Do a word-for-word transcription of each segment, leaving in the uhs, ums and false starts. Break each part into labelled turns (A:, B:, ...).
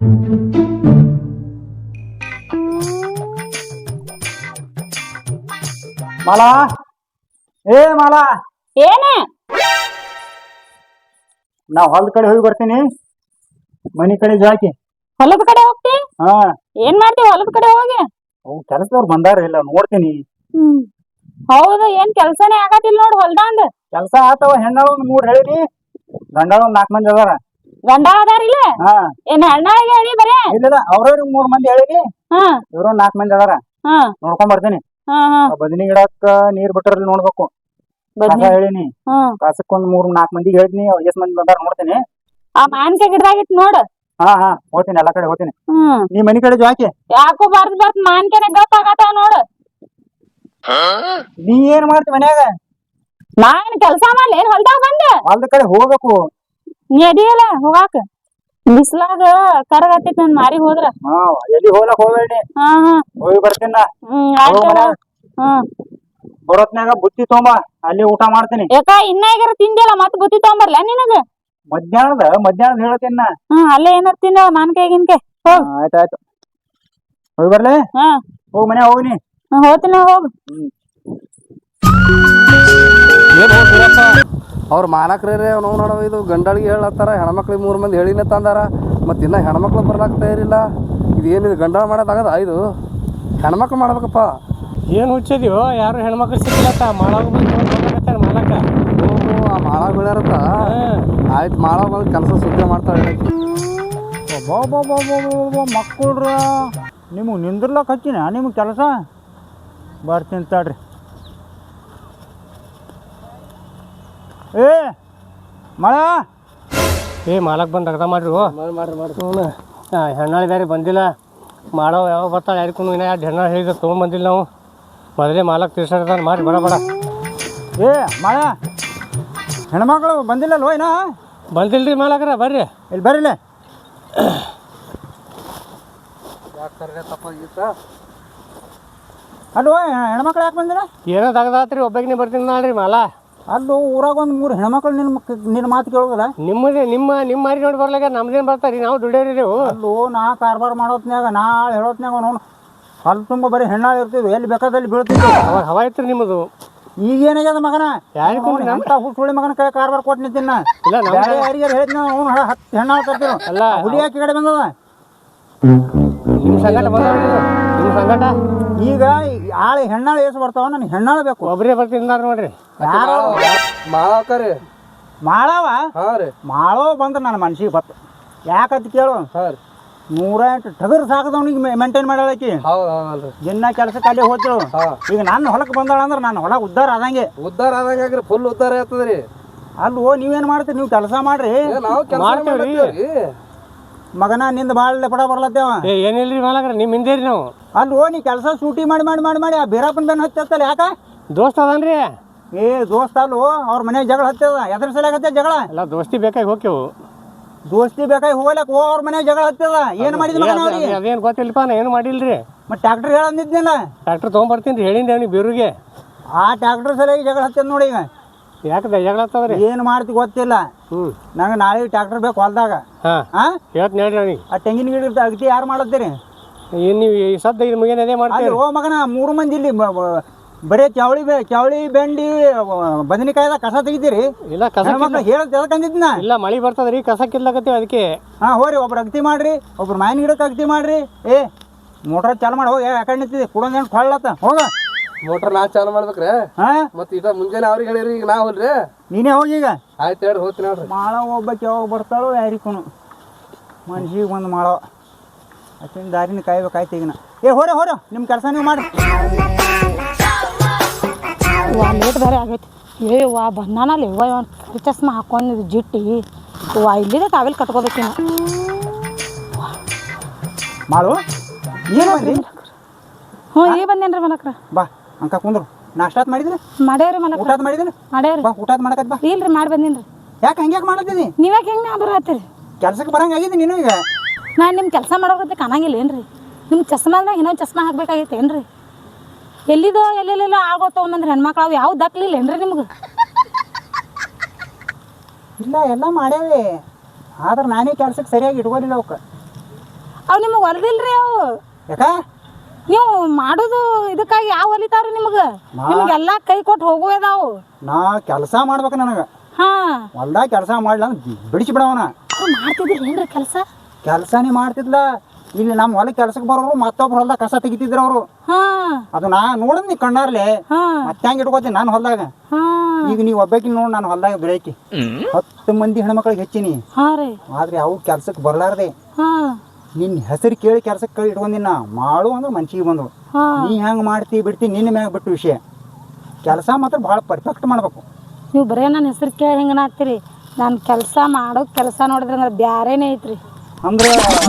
A: ಮಾಲಾ ಏ ಮಾಲಾ
B: ಏನ
A: ನಾ ಹೊಲದ ಕಡೆ ಹೋಗಿ ಬರ್ತೀನಿ ಮನಿ ಕಡೆ ಜಾಕಿ
B: ಹೊಲದ ಕಡೆ ಹೋಗ್ತಿ
A: ಹಾ
B: ಏನ್ ಮಾಡ್ತಿ ಹೊಲದ ಕಡೆ ಹೋಗಿ
A: ಅವ್ ಕೆಲಸದವ್ರು ಬಂದಾರ ಇಲ್ಲ ನೋಡ್ತೀನಿ.
B: ಹ್ಮ್ ಹೌದು ಏನ್ ಕೆಲ್ಸನೇ ಆಗತಿಲ್ ನೋಡ್ ಹೊಲ್ದಾಂದ.
A: ಕೆಲಸ ಆತವ ಹೆಣ್ಣಾಳ ಒಂದ್ ಮೂರ್ ಹೇಳಿನಿ ಗಂಡಾಳ ಒಂದ್ ನಾಲ್ಕ್ ಮಂದಿ ಅದಾರ.
B: ಗಂಡ ಅದಾರಿಲ್ಲ
A: ಹಾ
B: ಏನ್ ಹೆಣ್ಣಾಳಿಗೆ ಹೇಳಿ ಬರೇ
A: ಇಲ್ಲ ಅವ್ರವ್ರಿಗೆ ಮೂರ್ ಮಂದಿ ಹೇಳಿನಿ
B: ಹಾ
A: ಇವ್ರ ನಾಲ್ಕ್ ಮಂದಿ ಅದಾರ
B: ಹಾ
A: ನೋಡ್ಕೊಂಡ್ ಬರ್ತೀನಿ.
B: ಹಾ ಹಾ
A: ಬದನಿ ಗಿಡಕ್ಕ ನೀರ್ ಬಿಟ್ಟರಲ್ಲಿ ನೋಡ್ಬೇಕು ಕಸ ಹೇಳಿನಿ
B: ಹ್ಮ್
A: ಕಸಕ್ಕೊಂದ್ ಮೂರ್ ನಾಲ್ಕ್ ಮಂದಿಗೆ ಹೇಳಿನಿ ಅವ್ರ ಎಷ್ಟ್ ಮಂದಿ ಬಂದಾರ ನೋಡ್ತೀನಿ.
B: ಆ ಮಾನ್ಕಾಯಿ ಗಿಡದಾಗಿತ್ ನೋಡ್.
A: ಹಾ ಹಾ ಹೋಗ್ತೀನಿ ಎಲ್ಲಾ ಕಡೆ ಹೋಗ್ತೀನಿ.
B: ಹ್ಮ್
A: ನೀ ಮನಿ ಕಡೆ ಜಾಕಿ
B: ಯಾಕೋ ಬರ್ದ್ ಬರ್ತ್ ಮಾನ್ಕಾಯಿನ ಗಪ್ ಆಗತಾವ ನೋಡು.
A: ನೀ ಏನ್ ಮಾಡ್ತಿ ಮನ್ಯಾಗ?
B: ನಾನ್ ಕೆಲ್ಸ ಮಾಡ್ಲಿ ಏನ್ ಹೊಲ್ದಾಗ ಬಂದ
A: ಹೊಲ್ದ ಕಡೆ ಹೋಗ್ಬೇಕು.
B: ನೀ ಅದಿಯಲ್ಲ ಹೋಗಾಕ ಬಿಸ್ಲಾಗ ಕರಗತ್ತೈತಿ ನನ್ ಮಾರಿ ಹೋದ್ರ.
A: ಹಾ ಎಲ್ಲಿ ಹೋಗ್ಲಕ್ ಹೋಗ್ಬೇಡಿ.
B: ಹಾ ಹಾ
A: ಹೋಗಿ ಬರ್ತೀನ
B: ಹ್ಮ್ ಆಯ್ತು ಹ್ಮ್
A: ಬರೋತ್ನಾಗ ಬುತ್ತಿ ತೊಂಬ ಅಲ್ಲಿ ಊಟ ಮಾಡ್ತೀನಿ.
B: ಯಾಕ ಇನ್ನ ಈಗಾರ ತಿಂದಿಲ್ಲ ಮತ್ ಬುತ್ತಿ ತಗೊಂಬರ್ಲ ನಿನಗ?
A: ಮಧ್ಯಾಹ್ನದ ಮಧ್ಯಾಹ್ನದ ಹೇಳ್ತೀನಿ ನಾ.
B: ಹ್ಮ್ ಅಲ್ಲೇ ಏನಾರ ತಿನ್ನ ಮಾನ್ಕಾಯಿ ಗಿನ್ಕಾಯಿ ಹೋಗ್.
A: ಆಯ್ತಾಯ್ತು ಹೋಗಿ ಬರ್ಲಿ.
B: ಹಾ
A: ಹೋಗ್ ಮನ್ಯಾಗ ಹೋಗ್ನಿ.
B: ಹೋಗ್ತೀನಿ ಹೋಗ್.
A: ಹ್ಮ್
C: ಏನು ಹೋಗ್ತೀರಪ್ಪ ಅವ್ರ ಮಾಲಕ್ರೇ ನೋವು ನೋಡವ ಇದು ಗಂಡಳಿಗೆ ಹೇಳತ್ತಾರ ಹೆಣ್ಮಕ್ಳಿಗೆ ಮೂರು ಮಂದಿ ಹೇಳಿನ ತಂದಾರ ಮತ್ತು ಇನ್ನೂ ಹೆಣ್ಮಕ್ಳು ಬರ್ಲಾಕ ತಯಾರಿಲ್ಲ. ಇದು ಏನಿದು ಗಂಡ ಮಾಡೋದಾಗದ ಇದು ಹೆಣ್ಮಕ್ಳು ಮಾಡ್ಬೇಕಪ್ಪ.
D: ಏನು ಹುಚ್ಚಿದ್ಯೋ ಯಾರು ಹೆಣ್ಮಕ್ಳು ಸಿಕ್ಕಿಲ್ಲತ್ತ ಮಾಳಾಗ ಬಂದು ಮಾಲಕ
C: ಓಹೋ ಆ ಮಾಳಾಗ ಬೆಳ್ಯಾರತ್ತ. ಆಯ್ತು ಮಾಳಾಗ ಬಂದು ಕೆಲಸ ಸುದ್ದಿ ಮಾಡ್ತಾಳೆ.
A: ಮಕ್ಕಳ್ರ ನಿಮಗೆ ನಿಂದ್ರಲಕ್ಕ ಹಚ್ಚಿನ ನಿಮಗೆ ಕೆಲಸ ಬರ್ತೀನಿ ತಡ್ರಿ. ಏ ಮಳ
D: ಏ ಮಾಲಕ್ ಬಂದು ಅರ್ಧ ಮಾಡ್ರಿ
C: ಮಾಡ್ರಿ ಮಾಡ್ರಿ
D: ಹ್ಞೂ ಹೆಣ್ಣಾಳಿದಾರಿ ಬಂದಿಲ್ಲ ಮಾಡೋ ಯಾವಾಗ ಬರ್ತಾಳೆ ಯಾರಿಗೂ ಇನ್ನೂ ಎರಡು ಹೆಣ್ಣಾಳು ಹೇಳಿದ್ರೆ ತೊಗೊಂಬಂದಿಲ್ಲ ನಾವು ಮೊದಲೇ ಮಾಲಕ್ ತಿರ್ಸಾಡ್ತಾನೆ ಮಾಡಿ ಬಡ ಬಡ.
A: ಏ ಮಳ ಹೆಣ್ಮಕ್ಳು ಬಂದಿಲ್ಲಲ್ವ ಏನೋ?
D: ಬಂದಿಲ್ಲ ರೀ ಮಾಲಕ್ರ ಬರ್ರಿ
A: ಇಲ್ಲಿ ಬರ್ರಿಲ್ಲ.
C: ಯಾಕೆ ತಪ್ಪಾಗಿತ್ತ
A: ಅಲ್ವ ಹೆಣ್ಮಕ್ಳು ಯಾಕೆ ಬಂದಿಲ್ಲ?
D: ಏನೋ ತಗದಾತ್ರಿ ಒಬ್ಬಾಗಿನೇ ಬರ್ತೀನಿ ನಾಳ್ರಿ ಮಾಲ.
A: ಅಲ್ಲೂ ಊರಾಗ ಒಂದು ಮೂರು ಹೆಣ್ಮಕ್ಳು ನಿನ್ನ ಮಕ್ ನಿನ್ನ ಮಾತು ಕೇಳೋದಿಲ್ಲ?
D: ನಿಮ್ಮದೇ ನಿಮ್ಮ ನಿಮ್ಮ ಮಾರಿ ನೋಡಿ ಬರ್ಲಾಗ ನಮ್ದೇನು ಬರ್ತಾರೆ ನಾವು ದುಡಿಯೋರಿ ನೀವು.
A: ಅಲ್ಲೂ ನಾ ಕಾರ್ಬಾರ ಮಾಡೋತ್ನ್ಯಾಗ ನಾಳೆ ಹೇಳೋತ್ನ್ಯಾಗ ನೋನು ಅಲ್ಲಿ ತುಂಬ ಬರೀ ಹೆಣ್ಣಾಳು ಇರ್ತೀವಿ ಎಲ್ಲಿ ಬೇಕಾದಲ್ಲಿ ಬೀಳ್ತಿದ್ವಿ.
D: ಅವಾಗ ಹವಾ ಇತ್ತು ನಿಮ್ಮದು.
A: ಈಗ ಏನಾಗ್ಯದ ಮಗನ
D: ಯಾರಿಗೂ
A: ಎಂತ ಹುಳಿ ಮಗನ ಕೈ ಕಾರ್ಬಾರ ಕೊಟ್ಟು ನಿಂತೀನಿ ನಾ.
D: ಇಲ್ಲ
A: ಬೇರೆ ಯಾರಿಗೆ ಹೇಳಿದ್ನ ಅವ್ನು ಹತ್ತು ಹೆಣ್ಣಾಳು ತರ್ತೀವಿ
D: ಅಲ್ಲ
A: ಹುಲಿ ಯಾಕೆ ಕಡೆ ಬಂದದ?
D: ನಿಮ್ಮ ಸಂಗಟ ಬಂದ ನಿಮ್ಮ ಸಂಗಟ
A: ಈಗ ಆಳು ಹೆಣ್ಣಾಳು ಏಸು ಬರ್ತಾವ ನನಗೆ ಹೆಣ್ಣಾಳು ಬೇಕು.
D: ಒಬ್ಬರೇ ಬರ್ತೀನಿ ನೋಡ್ರಿ.
A: ಯಾರು
C: ಮಾಳಾಕರಿ
A: ಮಾಳವ?
C: ಹಾಂ ರೀ
A: ಮಾಳವ ಬಂದ್ರೆ ನನ್ನ ಮನ್ಸಿಗೆ ಬತ್ತು. ಯಾಕಂತ ಕೇಳು,
C: ಹಾಂ ರೀ
A: ನೂರ ಎಂಟು ಟಗರು ಸಾಕದವನಿಗೆ ಮೇಂಟೈನ್ ಮಾಡಾಕಿ
C: ಹೌದು ಹೌದಲ್ರಿ
A: ದಿನ ಕೆಲಸಕ್ಕೆ ಅಲ್ಲಿ ಹೋಗ್ತಿಳು. ಈಗ ನನ್ನ ಹೊಲಕ್ಕೆ ಬಂದಾಳ ಅಂದ್ರೆ ನನ್ನ ಹೊಲ ಉದ್ದಾರ ಆದಂಗೆ.
C: ಉದ್ದಾರ ಆದಂಗೆ ಫುಲ್ ಉದ್ದಾರ ಆಗ್ತದೆ ರೀ.
A: ಅಲ್ಲೋ ನೀವೇನು ಮಾಡ್ತೀರಿ? ನೀವು ಕೆಲಸ ಮಾಡ್ರಿ.
C: ನಾವು ಕೆಲಸ ಮಾಡ್ತೀವಿ
A: ಮಗನ ನಿಂದ ಭಾಳ ಪಡ ಬರ್ಲತ್ತೇವ.
D: ಏ ಏನಿಲ್ರಿ ಮಾಲಕ್ರ ನಿಮ್ಮ ಹಿಂದೆ ರೀ ನಾವು.
A: ಅಲ್ಲೋ ನೀ ಕೆಲಸ ಸೂಟಿ ಮಾಡಿ ಮಾಡಿ ಮಾಡಿ ಮಾಡಿ ಆ ಬೀರಪ್ಪನ ಬೆನ್ನು ಹತ್ತಲ್ಲ ಯಾಕ?
D: ದೋಸ್ತ ಅದನ್ರಿ.
A: ಏ ದೋಸ್ತ ಅಲ್ಲೋ ಅವ್ರ ಮನ್ಯಾಗ ಜಗಳ ಹತ್ತದ. ಎದ್ರ ಸಲ ಜಗಳ?
D: ಎಲ್ಲ ದೋಸ್ತಿ ಬೇಕಾಗಿ ಹೋಗ್ಯವು.
A: ದೋಸ್ತಿ ಬೇಕಾಗಿ ಹೋಗ್ಲಕ್ ಹೋ ಅವ್ರ ಮನ್ಯಾಗ ಜಗಳ ಹತ್ತದ. ಏನು ಮಾಡಿದ ಮಗನ ಅವ್ರಿಗೆ?
D: ಅದೇನು ಗೊತ್ತಿಲ್ಲಪ್ಪ ನಾ ಏನು ಮಾಡಿಲ್ರಿ.
A: ಮತ್ತೆ ಟ್ಯಾಕ್ಟರ್ ಹೇಳಂದಿದ್ನಿಲ್ಲ?
D: ಟ್ರ್ಯಾಕ್ಟರ್ ತೊಗೊಂಬರ್ತೀನಿ ರೀ ಹೇಳಿದ್ದೆ ಅವ್ನಿಗೆ ಬೇರುಗೆ.
A: ಆ ಟ್ಯಾಕ್ಟರ್ ಸಲುವಾಗಿ ಜಗಳ ಹತ್ತದ ನೋಡಿ. ಈಗ
D: ಯಾಕೆ ಜಗಳ ಹತ್ತದ್ರಿ?
A: ಏನು ಮಾಡ್ತಿ ಗೊತ್ತಿಲ್ಲ.
D: ಹ್ಞೂ
A: ನಂಗೆ ನಾಳೆ ಟ್ಯಾಕ್ಟರ್ ಬೇಕು ಹೊಲ್ದಾಗ.
D: ಹಾಂ
A: ಹಾಂ
D: ಹೇಳ್ತೀನಿ ಹೇಳ್ರಿ ಅವ್ನಿಗೆ.
A: ಆ ತೆಂಗಿನ ಗಿಡ ಅಗತಿ ಯಾರು ಮಾಡತ್ತೀರಿ?
D: ಏನು ನೀವು ಈ ಸದ್ದ ಇದು ಮುಗಿಯನ್ ಅದೇ ಮಾಡ್ತೀರಿ?
A: ಓ ಮಗನ ಮೂರು ಮಂದಿ ಇಲ್ಲಿ ಬರೀ ಚವಳಿ ಬೆ ಚವಳಿ ಬೆಂಡಿ ಬದನೆಕಾಯ್ದ ಕಸ ತೆಗಿತೀರಿ?
D: ಇಲ್ಲ ಕಸ
A: ಮಕ್ಳು ಹೇಳಕ್ ತಿಳ್ಕೊಂಡಿದ್ನ.
D: ಇಲ್ಲ ಮಳೆ ಬರ್ತದ್ರಿ ಕಸ ಕಿಲ್ಲಕತ್ತೀವಿ ಅದಕ್ಕೆ.
A: ಹಾಂ ಹೋರಿ ಒಬ್ರು ಅಗತಿ ಮಾಡ್ರಿ, ಒಬ್ರು ಮಾವಿನ ಗಿಡಕ್ಕೆ ಅಗತಿ ಮಾಡ್ರಿ. ಏ ಮೋಟ್ರ್ ಚಾಲು ಮಾಡಿ ಹೋಗಿ ಯಾಕಂಡು ನಿಂತಿದ್ದೆ ಕುಡೊಂದೇನು ಕೊಳ್ಳತ್ತ ಹೋಗ.
C: ಮೋಟ್ರ್ ನಾ ಚಾಲು ಮಾಡ್ಬೇಕ್ರೆ?
A: ಹಾಂ
C: ಮತ್ತೆ ಇದ ಮುಂಜಾನೆ ಅವ್ರಿಗೆ ಹೇಳಿರಿ ಈಗ ನಾ ಹೋಲ್ರಿ.
A: ನೀನೇ ಹೋಗಿ ಈಗ.
C: ಆಯ್ತು ಹೇಳ್ರಿ ಹೋಗ್ತೀನಿ ನೋಡ್ರಿ.
A: ಮಾಳ ಒಬ್ಬಕ್ಕೆ ಯಾವಾಗ ಬರ್ತಾಳೋ ಯಾರಿಗೂ ಮನ್ಸಿಗೆ ಬಂದು ಮಾಡೋ ಅಷ್ಟಿನ ದಾರಿನ ಕಾಯ್ಬೇಕಾಯ್ತು ಈಗಿನ. ಏ ಹೋರೆ ಹೋರೆ ನಿಮ್ಮ ಕೆಲಸ ನೀವು ಮಾಡಿ.
B: ವಾ ಲೇಟ್ ಬೇರೆ ಆಗೈತಿ. ಏ ವಾ ಬಂದಾನಲ್ಲಿ ವಾ ಇವನ್ ಕರಿ ಚಸ್ಮಾ ಹಾಕೊಂಡಿದ್ದು ಜಿಟ್ಟಿ ವಾ ಇಲ್ಲಿದೆ ಕಾವೆಲ್ ಕಟ್ಕೋಬೇಕಿನ.
A: ಮಾಡು ಏನು ಬಂದ್ರಿ?
B: ಹ್ಞೂ ಈಗ ಬಂದೇನ್ರಿ ಮಲಕ್ರ.
A: ಬಾ ಅಂಕ ಕುಂದ್ರು. ನಾಷ್ಟಾತ್ ಮಾಡಿದ್ರಿ?
B: ಮಾಡ್ಯಾವ್ರಿ ಮಲಕ್ರ.
A: ಊಟದ ಮಾಡಿದ್ರಿ?
B: ಮಾಡ್ಯಾವ್ರಿ.
A: ಬಾ ಊಟದ ಮಾಡಕತ್ ಬಾ.
B: ಇಲ್ರಿ ಮಾಡಿ ಬಂದೀನಿ ರೀ.
A: ಯಾಕೆ ಹಂಗ್ಯಾಕೆ ಮಾಡತ್ತೀನಿ?
B: ನೀವ್ಯಾಕೆ ಹೆಂಗೆ ನಾ ಬರತ್ತೀರಿ?
A: ಕೆಲ್ಸಕ್ಕೆ ಬರಂಗೆ ಆಗಿದೆ ನೀನು ಈಗ.
B: ನಾನು ನಿಮ್ಮ ಕೆಲಸ ಮಾಡೋಕತ್ತೆ ಕಾಣಂಗಿಲ್ಲ ಏನ್ರಿ? ನಿಮ್ಮ ಚಸ್ಮಾದಾಗ ಇನ್ನೊಂದು ಚಸ್ಮಾ ಹಾಕ್ಬೇಕಾಗೈತೆ ಏನ್ರಿ? ಎಲ್ಲಿದೋ ಎಲ್ಲೆಲ್ಲೆಲ್ಲೋ ಆಗೋತ ಒಂದೊಂದು ಹೆಣ್ಮಕ್ಳು ಅವು ಯಾವ ದಕ್ಲಿಲ್ಲ ಏನ್ರಿ ನಿಮ್ಗೆ?
A: ಇಲ್ಲ ಎಲ್ಲ ಮಾಡ್ಯಾವೆ ಆದ್ರೆ ನಾನೇ ಕೆಲ್ಸಕ್ಕೆ ಸರಿಯಾಗಿ ಇಟ್ಕೊಂಡಿಲ್ಲ ಅವಕ್ಕೆ.
B: ಅವು ನಿಮಗೆ ಹೊಲ್ದಿಲ್ರಿ ಅವು
A: ಯಾಕ
B: ನೀವು ಮಾಡೋದು ಇದಕ್ಕಾಗಿ ಯಾವ ಹೊಲಿತಾವ್ರಿ ನಿಮಗೆ ನಿಮಗೆಲ್ಲ ಕೈ ಕೊಟ್ಟು ಹೋಗುವುದಾವು
A: ನಾ ಕೆಲಸ ಮಾಡ್ಬೇಕು ನನಗೆ
B: ಹಾಂ
A: ಹೊಲ್ದಾಗ ಕೆಲಸ ಮಾಡ್ಲ ಬಿಡಿಸಿ ಬಿಡವನ
B: ಮಾಡ್ತಿದ್ರಿ ಏನ್ರಿ ಕೆಲಸ
A: ಕೆಲಸನೇ ಮಾಡ್ತಿದ್ಲ ಇಲ್ಲಿ ನಮ್ಮ ಹೊಲ ಕೆಲ್ಸಕ್ಕೆ ಬರೋರು ಮತ್ತೊಬ್ರು ಹೊಲ್ದಾಗ ಕಸ ತೆಗಿತಿದ್ರು ಅವರು
B: ಹಾಂ
A: ಅದು ನಾ ನೋಡಿದ್ ನೀ ಕಣ್ಣಾರ್ಲೆ
B: ಹಾಂ
A: ಮತ್ತೆ ಹೆಂಗೆ ಇಟ್ಕೋತೀನಿ ನಾನು ಹೊಲ್ದಾಗ
B: ಹಾಂ
A: ಈಗ ನೀವು ಒಬ್ಬಾಕಿ ನೋಡಿ ನಾನು ಹೊಲ್ದಾಗ ಬೆಳಕಿ ಹತ್ತು ಮಂದಿ ಹೆಣ್ಮಕ್ಳಿಗೆ ಹೆಚ್ಚಿನಿ
B: ಹಾಂ ರೀ
A: ಆದ್ರೆ ಅವು ಕೆಲ್ಸಕ್ಕೆ ಬರ್ಲಾರ್ದೆ
B: ಹಾಂ
A: ನಿನ್ನ ಹೆಸರು ಕೇಳಿ ಕೆಲ್ಸಕ್ಕೆ ಕೈ ಇಟ್ಕೊಂಡಿನ ಮಾಡು ಅಂದ್ರೆ ಮನ್ಸಿಗೆ ಬಂದು
B: ಹಾಂ
A: ನೀ ಹೆಂಗೆ ಮಾಡ್ತಿ ಬಿಡ್ತಿ ನಿನ್ನ ಮ್ಯಾಗ ಬಿಟ್ಟು ವಿಷಯ ಕೆಲಸ ಮಾತ್ರ ಭಾಳ ಪರ್ಫೆಕ್ಟ್ ಮಾಡ್ಬೇಕು
B: ನೀವು ಬರೇ ನನ್ನ ಹೆಸರು ಕೇಳಿ ಹೆಂಗನ ಆಗ್ತೀರಿ ನಾನು ಕೆಲಸ ಮಾಡೋ ಕೆಲಸ ನೋಡಿದ್ರೆ ಅಂದ್ರೆ ಬ್ಯಾರೇನೇ ಐತ್ರಿ
A: ಅಂದ್ರೆ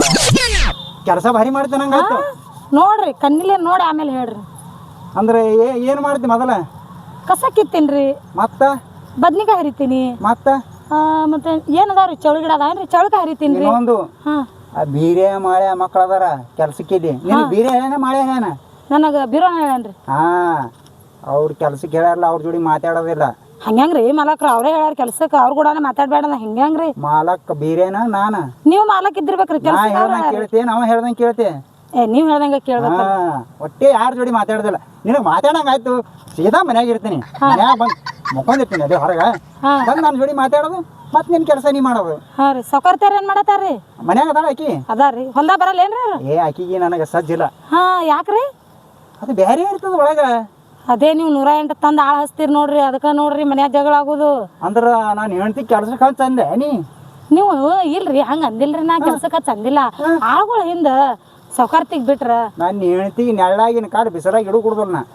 A: ಕೆಲಸ ಭಾರಿ ಮಾಡ್ತೇನೆ ಹಂಗಾಯ್ತು
B: ನೋಡ್ರಿ ಕಣ್ಣಿಲೆ ನೋಡಿ ಆಮೇಲೆ ಹೇಳ್ರಿ
A: ಅಂದ್ರೆ ಏನು ಮಾಡ್ತಿ ಮೊದಲ
B: ಕಸ ಕಿತ್ತೀನಿ
A: ಮತ್ತೆ
B: ಬದ್ನಿಕಾಯಿ ಹರಿತೀನಿ
A: ಮತ್ತೆ
B: ಮತ್ತೆ ಏನದಾವ್ರಿ ಚೌಳಿ ಗಿಡ ಅದಾವೇನ್ರಿ ಚೌಳಿಕಾಯಿ ಹರಿತೀನಿ ರೀ
A: ಇನ್ನೊಂದು
B: ಹಾಂ
A: ಆ ಬೀರೆ ಮಾಳೆ ಮಕ್ಳು ಅದಾರ ಕೆಲ್ಸಕ್ಕಿಲ್ಲಿ ನಿನ್ನ ಬೀರೆ ಹೇಳೇನ ಮಾಳೆ ಹೇಳೇನ
B: ನನಗೆ ಬಿರೋ ಹೇಳೇನ್ರಿ
A: ಹಾ ಅವ್ರ ಕೆಲ್ಸಕ್ಕೆ ಹೇಳಲ್ಲ ಅವ್ರ ಜೋಡಿ ಮಾತಾಡೋದಿಲ್ಲ
B: ಹಂಗ್ಯಾಂಗ್ರಿ ಮಾಲಕ್ರ ಅವರೇ ಹೇಳ್ಯಾರ ಕೆಲ್ಸಕ್ಕೆ ಅವ್ರ ಕೂಡ ಮಾತಾಡ್ಬೇಡ ಹೆಂಗ್ಯಾಂಗ್ರಿ
A: ಮಾಲಕ್ ಬೀರೇನ ನಾನ
B: ನೀವು ಮಾಲಕ್ ಇದ್ದಿರ್ಬೇಕ್ರಿ
A: ನಾ
B: ಕೆಲಸ
A: ಹೇಳ್ದಂಗೆ ಕೇಳ್ತೆ ನಾವ ಹೇಳ್ದಂಗೆ ಕೇಳ್ತೆ
B: ಏ ನೀವು ಹೇಳ್ದಂಗೆ ಕೇಳ್ಬೇಕು
A: ಹಾ ಒಟ್ಟೆ ಯಾರ ಜೋಡಿ ಮಾತಾಡೋದಿಲ್ಲ ನಿನಗೆ ಮಾತಾಡಂಗ ಆಯ್ತು ಸೀದಾ ಮನ್ಯಾಗ ಇರ್ತೀನಿ ಮನ್ಯಾಗ ಬಂದು ಮುಕ್ಕೊಂಡಿರ್ತೀನಿ ಅದೇ ಹೊರಗೆ ಬಂದು ನನ್ನ ಜೋಡಿ ಮಾತಾಡೋದು ಮತ್ತೆ ನಿನ್ನ ಕೆಲಸ ನೀ ಮಾಡೋದು
B: ಹಾಂ ರೀ ಸೌಕರ್ತಾರ ಏನು ಮಾಡತ್ತಾರ್ರಿ
A: ಮನ್ಯಾಗ ಅದಾಳ ಆಕಿ
B: ಅದಾರಿ ಹೊಲ್ದಾಗ ಬರಲ್ಲ ಏನ್ರಿ
A: ಏ ಆಕಿಗೆ ನನಗೆ ಸಜ್ಜಿಲ್ಲ
B: ಹಾಂ ಯಾಕ್ರಿ
A: ಅದು ಬೇರೆ ಇರ್ತದ ಒಳಗೆ
B: ಅದೇ ನೀವು ನೂರ ಎಂಟು ತಂದು ಆಳು ಹಚ್ತೀರಿ ನೋಡ್ರಿ ಅದಕ್ಕೆ ನೋಡ್ರಿ ಮನ್ಯಾಗ ಜಗಳ ಆಗೋದು
A: ಅಂದ್ರೆ ನಾನು ಹೆಣ್ತಿ ಕೆಲ್ಸಕ್ಕೆ ಹಚ್ಚ ಅಂದೆ ನೀ
B: ನೀವು ಇಲ್ರಿ ಹಂಗೆ ಅಂದಿಲ್ರಿ ನಾ ಕೆಲ್ಸಕ್ಕೆ ಚಂದಿಲ್ಲ ಆಳುಗಳು ಹಿಂದೆ ಸೌಕರ್ತಿಗೆ ಬಿಟ್ರ
A: ನಾನು ಹೆಣ್ತಿಗೆ ನೆಳ್ಳಾಗಿನ ಕಾಡು ಬಿಸಿಲಾಗಿ ಇಡು ಕುಡ್ದಲ್ಲ ನಾ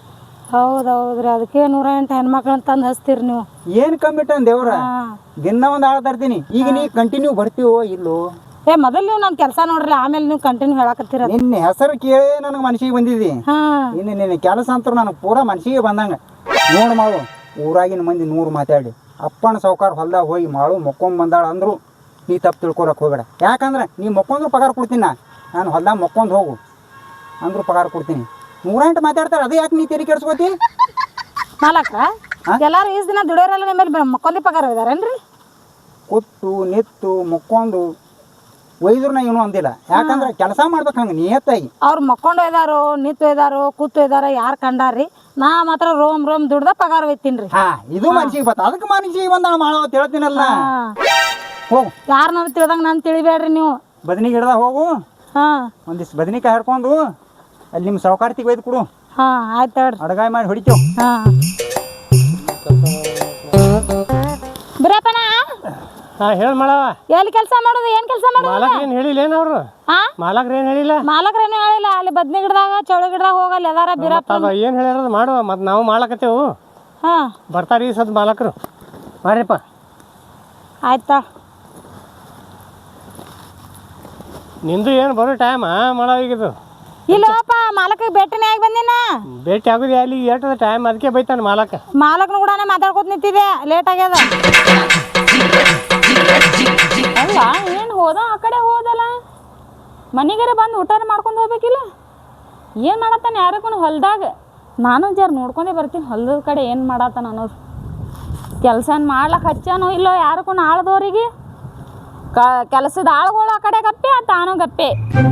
B: ಹೌದು ಹೌದ್ರಿ ಅದಕ್ಕೆ ನೂರ ಎಂಟು ಹೆಣ್ಮಕ್ಳನ್ನ ತಂದು ಹಚ್ತೀರಿ ನೀವು
A: ಏನು ಕಮ್ಮಿಟ್ಟ ದೇವ್ರ ದಿನ ಒಂದು ಆಳ ತರ್ತೀನಿ ಈಗ ನೀ ಕಂಟಿನ್ಯೂ ಬರ್ತೀವೋ ಇಲ್ಲೋ
B: ಏ ಮೊದಲು ನೀವು ನನ್ನ ಕೆಲಸ ನೋಡ್ರಿ ಆಮೇಲೆ ನೀವು ಕಂಟಿನ್ಯೂ ಹೇಳಕತ್ತೀರ
A: ನಿನ್ನ ಹೆಸರು ಕೇಳಿ ನನಗೆ ಮನಸ್ಸಿಗೆ ಬಂದಿದ್ದಿ
B: ಹಾಂ
A: ಇನ್ನು ನಿನ್ನ ಕೆಲಸ ಅಂತೂ ನನಗೆ ಪೂರಾ ಮನಸ್ಸಿಗೆ ಬಂದಂಗೆ ನೋಡು ಮಾಡು ಊರಾಗಿನ ಮಂದಿ ನೂರು ಮಾತಾಡಿ ಅಪ್ಪನ ಸೌಕಾರ ಹೊಲ್ದಾಗ ಹೋಗಿ ಮಾಡು ಮೊಕ್ಕೊಂಡ್ ಬಂದಾಳ ಅಂದ್ರು ನೀ ತಪ್ಪು ತಿಳ್ಕೊಳಕ್ಕೆ ಹೋಗಬೇಡ ಯಾಕಂದ್ರೆ ನೀ ಮೊಕ್ಕೊಂಡ್ರು ಪಗಾರ ಕೊಡ್ತೀನಿ ನಾ ನಾನು ಹೊಲ್ದಾಗ ಮೊಕ್ಕೊಂಡು ಹೋಗು ಅಂದ್ರು ಪಗಾರ ಕೊಡ್ತೀನಿ ನೂರ ಎಂಟು ಮಾತಾಡ್ತಾರೆ ಅದು ಯಾಕೆ ನೀ ತೆರಿ ಕೆಡ್ಸ್ಕೋತಿ
B: ಮಾಲಕ್ರ ಎಲ್ಲಾರು ಈಸ್ ದಿನ ದುಡಿಯೋರೆಲ್ಲ ನಿಮ್ಮಲ್ಲಿ ಮಕ್ಕೊಂದಿ ಪಗಾರ ಇದಾರೇನ್ರಿ
A: ಕೂತು ನಿತ್ತು ಮೊಕ್ಕೊಂಡು ಒಯ್ದ್ರು ನಾ ಏನೂ ಅಂದಿಲ್ಲ ಯಾಕಂದ್ರೆ ಕೆಲಸ ಮಾಡ್ಬೇಕು ಹಂಗೆ ನಿಯತ್ತಾಗಿ
B: ಅವ್ರು ಮಕ್ಕೊಂಡು ಒಯ್ದಾರೋ ನಿಂತು ಒಯ್ದಾರೋ ಕೂತು ಒಯ್ದಾರೋ ಯಾರು ಕಂಡಾರ್ರಿ ನಾ ಮಾತ್ರ ರೋಮ್ ರೋಮ್ ದುಡ್ದ ಪಗಾರ ಒಯ್ತೀನಿ ರೀ
A: ಹಾ ಇದು ಮನ್ಸಿಗೆ ಬತ್ತ ಅದಕ್ಕೆ ಮನ್ಸಿಗೆ ಬಂದಾಳ ಮಾಡೋ ಅಂತ ಹೇಳ್ತೀನಲ್ಲ ಹೋಗು
B: ಯಾರನ್ನಾರು ತಿಳ್ದಂಗೆ ನಾನು ತಿಳಿಬೇಡ್ರಿ ನೀವು
A: ಬದನಿ ಗಿಡದಾಗ ಹೋಗು
B: ಹಾಂ
A: ಒಂದಿಷ್ಟು ಬದನಿಕಾಯಿ ಹರ್ಕೊಂಡು ಅಲ್ಲಿ ನಿಮ್ಮ ಸೌಕಾರ್ತಿಗೆ ಒಯ್ದು ಕೊಡು
B: ಹಾಂ ಆಯ್ತು ಹೇಳ್ರಿ
A: ಅಡಗಾಯಿ ಮಾಡಿ ಹೊಡಿತೇವೆ
B: ಹಾಂ ಬಿರಪ್ಪನ
D: ಹಾಂ ಹೇಳಿ ಮಾಡವ
B: ಎಲ್ಲಿ ಕೆಲಸ ಮಾಡೋದು ಏನು ಕೆಲಸ ಮಾಡೋದು
D: ಮಾಲಕ್ರ ಏನು ಹೇಳಿಲ್ಲ ಏನು ಅವರು
B: ಹಾಂ
D: ಮಾಲಕ್ರ ಏನು ಹೇಳಿಲ್ಲ
B: ಮಾಲಕ್ರೇನು ಹೇಳಿಲ್ಲ ಅಲ್ಲಿ ಬದ್ನಿ ಗಿಡದಾಗ ಚೌಳಿ ಗಿಡದಾಗ ಹೋಗಲ್ಲ ಎಲ್ಲಾರ ಬಿರಪ್ಪ
D: ಅದು ಏನು ಹೇಳ್ಯಾರ ಮಾಡುವ ಮತ್ತು ನಾವು ಮಾಡ್ಲಕತ್ತೇವು
B: ಹಾಂ
D: ಬರ್ತಾರೆ ಈ ಸದ್ ಮಾಲಕರು ಮಾಡ್ರಿಪ್ಪ
B: ಆಯ್ತಾ
D: ನಿಂದು ಏನು ಬರೋ ಟೈಮ್ ಮಾಡವ ಈಗಿದು
B: ಇಲ್ಲಪ್ಪ ಮಾಲಕಿಗೆ ಭೇಟಿನೇ ಆಗಿ ಬಂದಿನ
D: ಭೇಟಿ ಆಗೋದು ಅಲ್ಲಿ ಏಟದ ಟೈಮ್ ಅದಕ್ಕೆ ಬೈತಾನೆ ಮಾಲಕ
B: ಮಾಲಕ್ನ ಕೂಡ ಮಾತಾಡ್ಕೊತ ನಿಂತಿದೆ ಲೇಟ್ ಆಗ್ಯದ
E: ಅಲ್ಲ ಏನು ಹೋದ ಆ ಕಡೆ ಹೋದಲ್ಲ ಮನೆಗಾರ ಬಂದು ಊಟ ಮಾಡ್ಕೊಂಡು ಹೋಗ್ಬೇಕಿಲ್ಲ ಏನು ಮಾಡತ್ತಾನೆ ಯಾರಕ್ಕೂ ಹೊಲ್ದಾಗ ನಾನು ಜರ ನೋಡ್ಕೊಂಡೇ ಬರ್ತೀನಿ ಹೊಲದ ಕಡೆ ಏನು ಮಾಡತ್ತಾನ ಅನ್ನೋದು ಕೆಲಸ ಮಾಡ್ಲಕ್ಕೆ ಹಚ್ಚಾನೋ ಇಲ್ಲೋ ಯಾರಕ್ಕೂ ಆಳ್ದವ್ರಿಗೆ ಕ ಕೆಲಸದ ಆಳುಗಳು ಆ ಕಡೆ ಗಪ್ಪೆ ತಾನು ಗಪ್ಪೆ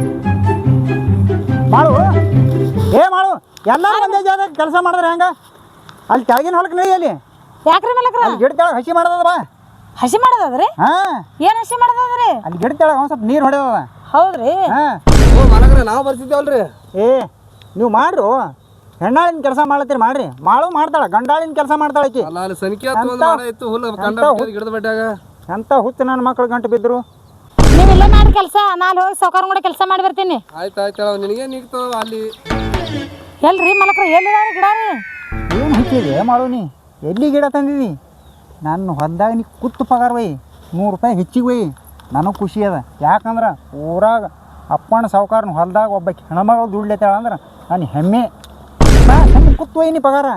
A: ಮಾಡು ಏ ಮಾಡು ಎಲ್ಲ ಒಂದೇ ಜಾಗ ಕೆಲಸ ಮಾಡಿದ್ರೆ ಹೆಂಗ ಅಲ್ಲಿ ಕೆಳಗಿನ ಹೊಲಕ್ಕೆ ನಡಿ ಅಲ್ಲಿ
B: ಯಾಕ್ರಿ ಮಾಲಕ್ರ
A: ಅಲ್ಲಿ ಗಿಡ ತೆಳಗೆ ಹಸಿ ಮಾಡೋದದ ಬಾ
B: ಹಸಿ ಮಾಡೋದದ್ರಿ
A: ಹಾಂ
B: ಏನು ಹಸಿ ಮಾಡೋದದ್ರಿ
A: ಅಲ್ಲಿ ಗಿಡ ತೆಳಗೆ ಒಂದು ಸ್ವಲ್ಪ ನೀರು ಹೊಡೆದದ
B: ಹೌದ್ರಿ
A: ಹಾಂ
C: ಓ ಮಾಲಕ್ರೆ ನಾವು ಬರ್ತಿದ್ದೇವಲ್ರಿ
A: ಏ ನೀವು ಮಾಡ್ರು ಹೆಣ್ಣಾಳಿನ ಕೆಲಸ ಮಾಡ್ಲತ್ತೀರಿ ಮಾಡ್ರಿ ಮಾಡು ಮಾಡ್ತಾಳೆ ಗಂಡಾಳಿನ ಕೆಲಸ ಮಾಡ್ತಾಳೆ ಆಕಿ
C: ಅಲ್ಲ ಅಲ್ಲಿ ಸಂಖ್ಯೆ ಇತ್ತು ಹುಲ್ಲು ಕಂಡ ಗಿಡದ ಬೆಟ್ಟಾಗ
A: ಎಂಥ ಹುಚ್ಚು ನನ್ನ ಮಕ್ಳು ಗಂಟು ಬಿದ್ದರು
B: ನೀವು ಇಲ್ಲೇ ಮಾಡಿ ಕೆಲಸ ನಾನು ಹೋಗಿ ಸೌಕಾರ ಕೂಡ ಕೆಲಸ ಮಾಡಿ ಬರ್ತೀನಿ
C: ಆಯ್ತು ಆಯ್ತು ನಿನಗೆ ನಿಗ್ತು ಅಲ್ಲಿ
B: ಎಲ್ರಿ ಮಾಲಕ್ರ ಎಲ್ಲಿದ ಗಿಡ ರೀ
A: ಏನು ಹಚ್ಚಿದೆ ಮಾಡು ನೀ ಎಲ್ಲಿ ಗಿಡ ತಂದಿದಿ ನಾನು ಹೊಲ್ದಾಗ ನೀ ಕುತ್ತು ಪಗಾರ ಒಯ್ ನೂರು ರೂಪಾಯಿ ಹೆಚ್ಚಿಗೆ ಒಯ್ ನನಗೆ ಖುಷಿ ಅದ ಯಾಕಂದ್ರೆ ಊರಾಗ ಅಪ್ಪನ ಸಾವುಕಾರನ ಹೊಲ್ದಾಗ ಒಬ್ಬ ಹೆಣ್ಮಗಳು ದುಡ್ಲೇತಾಳ ಅಂದ್ರೆ ನಾನು ಹೆಮ್ಮೆ ನಾ ಹೆಮ್ಮೆ ಕುತ್ತು ಒಯ್ ನೀ ಪಗಾರ